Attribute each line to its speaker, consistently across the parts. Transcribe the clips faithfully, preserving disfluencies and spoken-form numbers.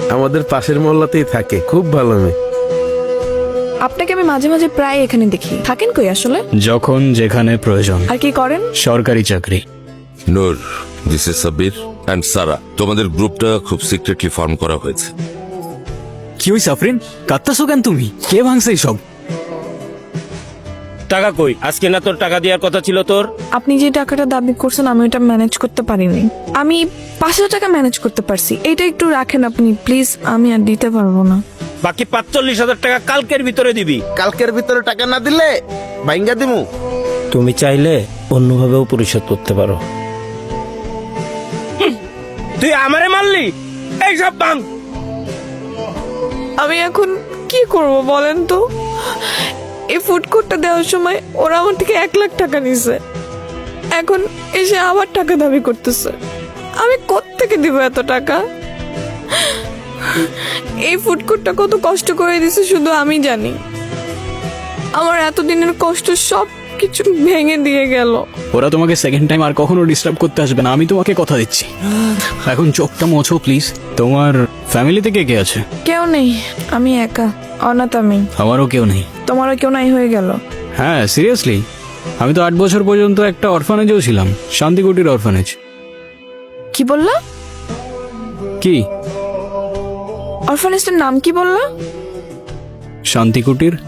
Speaker 1: আমাদের পাশের মহল্লাতেই থাকে, খুব ভালো মেয়ে।
Speaker 2: আপনাকে আমি মাঝে মাঝে প্রায় এখানে দেখি, থাকেন কই আসলে?
Speaker 3: যখন যেখানে প্রয়োজন।
Speaker 2: আর কি করেন?
Speaker 3: সরকারি চাকরি।
Speaker 4: Noor, this is Sabbir and Sara. তোমাদের গ্রুপটা খুব সিক্রেটলি ফর্ম করা হয়েছে।
Speaker 3: কি হইছে আফরিন, কাঁদতেছো কেন তুমি? কে ভাঙছে এইসব?
Speaker 5: টাকা কই? আজকে না তোর টাকা দেওয়ার কথা ছিল তোর?
Speaker 2: আপনি যে টাকাটা দাবি করছেন আমি ওটা ম্যানেজ করতে পারিনি। আমি পাঁচশো টাকা ম্যানেজ করতে পারছি, এইটা একটু রাখেন আপনি প্লিজ, আমি আর দিতে পারবো না।
Speaker 5: বাকি পাঁচচল্লিশ হাজার টাকা কালকের ভিতরে দিবি।
Speaker 1: কালকের ভিতরে টাকা না দিলে ভাইঙ্গা দিমু।
Speaker 5: তুমি চাইলে অন্যভাবেও পরিশোধ করতে পারো। তুই আমারে মারলি, এই সব ভাঙ।
Speaker 2: আমি এখন কি করব বলেন তো? এই ফুড কোর্টটা দেওয়ার সময় ওরা আমার থেকে এক লাখ টাকা নিছে, এখন এসে আবার টাকা দাবি করতেছে। আমি কোত্থেকে দিব এত টাকা? এই ফুড কোর্টটা কত কষ্ট করে দিছে শুধু আমি জানি। আমার এতদিনের কষ্ট সব কিছু ভেঙে দিয়ে গেল।
Speaker 3: ওরা তোমাকে সেকেন্ড টাইম আর কখনো ডিস্টার্ব করতে আসবে না, আমি তোমাকে কথা দিচ্ছি। এখন চোখটা মোছো প্লিজ। তোমার ফ্যামিলিতে কে কে আছে?
Speaker 2: কেউ নেই, আমি একা, অনাথ আমি।
Speaker 3: আমারও কেউ নেই।
Speaker 2: তোমারও কেউ নাই হয়ে গেল?
Speaker 3: হ্যাঁ সিরিয়াসলি, আমি তো আট বছর পর্যন্ত একটা অরফানেজেও ছিলাম, শান্তিকুটির অরফানেজ।
Speaker 2: কি বললা?
Speaker 3: কি?
Speaker 2: অরফানেজটার নাম কি বললা?
Speaker 3: শান্তিকুটির।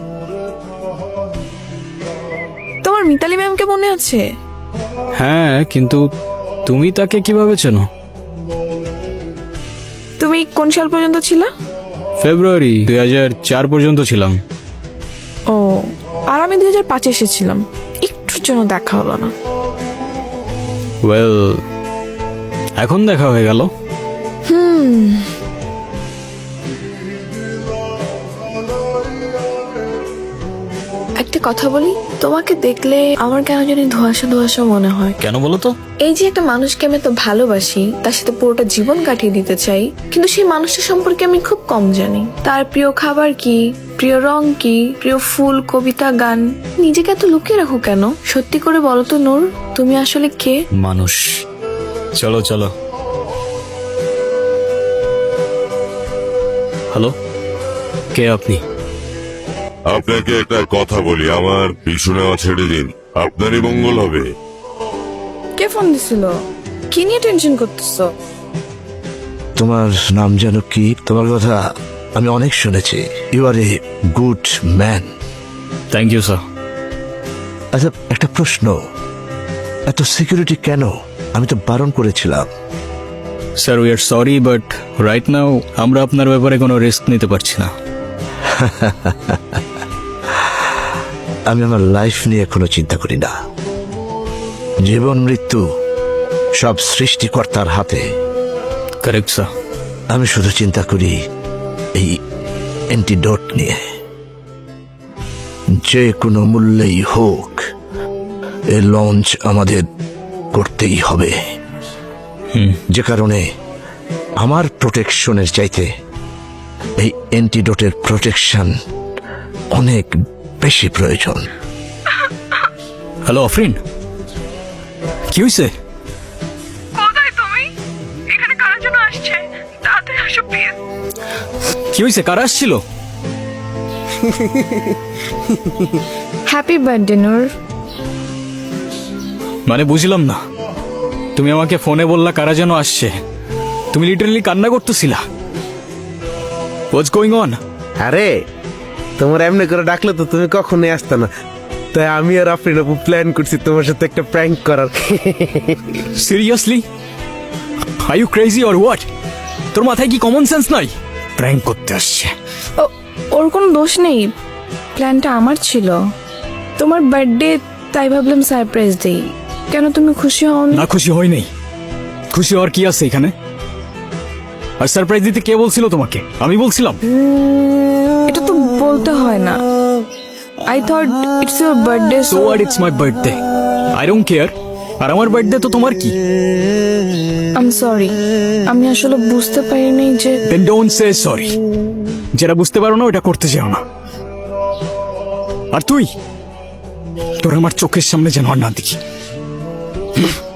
Speaker 2: তোমার মিতালি ম্যামকে মনে আছে?
Speaker 3: হ্যাঁ, কিন্তু তুমি তাকে কিভাবে চেনো?
Speaker 2: তুমি কোন সাল পর্যন্ত ছিলা?
Speaker 3: ফেব্রুয়ারি দুই হাজার চার পর্যন্ত ছিলাম।
Speaker 2: ও, আর আমি দুই হাজার পাঁচে এসেছিলাম, একটুর জন্য দেখা হলো না।
Speaker 3: ওয়েল, এখন দেখা হয়ে গেল।
Speaker 2: হুম, একটা কথা বলি, তোমাকে দেখলে আমার কেন জানি ধোঁয়াশা ধোঁয়াশা মনে হয়।
Speaker 3: কেন বলো তো?
Speaker 2: এই যে একটা মানুষকে আমি তো ভালোবাসি, তার সাথে পুরোটা জীবন কাটিয়ে দিতে চাই, কিন্তু সেই মানুষটা সম্পর্কে আমি খুব কম জানি। তার প্রিয় খাবার কি, প্রিয় রং কি, প্রিয় ফুল, কবিতা, গান। নিজেকে এত লুকিয়ে রাখো কেন? সত্যি করে বলো তো নূর, তুমি আসলে কে?
Speaker 3: মানুষ। চলো চলো। হ্যালো, কে আপনি?
Speaker 6: আপনাকে একটা কথা বলি, আমার পিছু নেওয়া ছেড়ে দিন, আপনারই মঙ্গল হবে।
Speaker 2: কে ফোন দিছিল? কি নিয়ে টেনশন করতেছো?
Speaker 7: তোমার নাম যেন কি? তোমার কথা আমি অনেক শুনেছি। You are a good man.
Speaker 3: Thank you sir.
Speaker 7: আচ্ছা, একটা প্রশ্ন, এত সিকিউরিটি কেন? আমি তো বারণ করেছিলাম।
Speaker 3: Sir we are sorry, but right now আমরা আপনার ব্যাপারে কোনো রিস্ক নিতে পারছি না।
Speaker 7: আমি আমার লাইফ নিয়ে কোনো চিন্তা করি না। জীবন মৃত্যু সব সৃষ্টিকর্তার হাতে।
Speaker 3: Correct sir.
Speaker 7: আমি শুধু চিন্তা করি এই অ্যান্টিডোট নিয়ে। যে কোনো মূল্যেই হোক এই লঞ্চ আমাদের করতেই হবে। যে কারণে আমার প্রোটেকশনের চাইতে এই অ্যান্টিডোটের প্রোটেকশন অনেক বেশি প্রয়োজন।
Speaker 3: হ্যালো আফরিন, কি হয়েছে?
Speaker 2: কোথায় তুমি? এখানে কার জন্য আসছে? তাড়াতাড়ি আসো প্লিজ।
Speaker 3: কি হয়েছে? কারা আসছিল?
Speaker 2: Happy birthday Noor.
Speaker 3: মানে বুঝলাম না, তুমি আমাকে ফোনে বললা কারা যেন আসছে, তুমি লিটারালি কান্না করতেছিলা। What's going on?
Speaker 1: আরে তোমার এমনি করে ডাকলে তো তুমি কখনোই আসতে না, তাই আমি আর আফরিন আপু প্ল্যান করছি তোমার সাথে একটা প্র্যাঙ্ক করার।
Speaker 3: Seriously? Are you crazy or what? তোর মাথায় কি কমন সেন্স নাই? প্র্যাঙ্ক করতে আসছে।
Speaker 2: ও- ওর কোনো দোষ নেই, প্ল্যানটা আমার ছিল। তোমার বার্থডে, তাই ভাবলাম সারপ্রাইজ দেই। কেন তুমি খুশি হও
Speaker 3: না খুশি হই নাই, খুশি হওয়ার কি আছে এখানে? আর সারপ্রাইজ দিতে কে বলছিল তোমাকে? আমি বলছিলাম?
Speaker 2: এটা তো বলতে হয় না। I thought it's your birthday,
Speaker 3: so what, it's my birthday, I don't care. আর আমার বার্থডে তো তোমার কি?
Speaker 2: আই এম সরি, আমি আসলে বুঝতে পারিনি যে।
Speaker 3: Then don't say sorry. যেটা বুঝতে পারো না ওটা করতে চাও না। আর তুই, তোর আমার চোখের সামনে যেন আর না দেখি।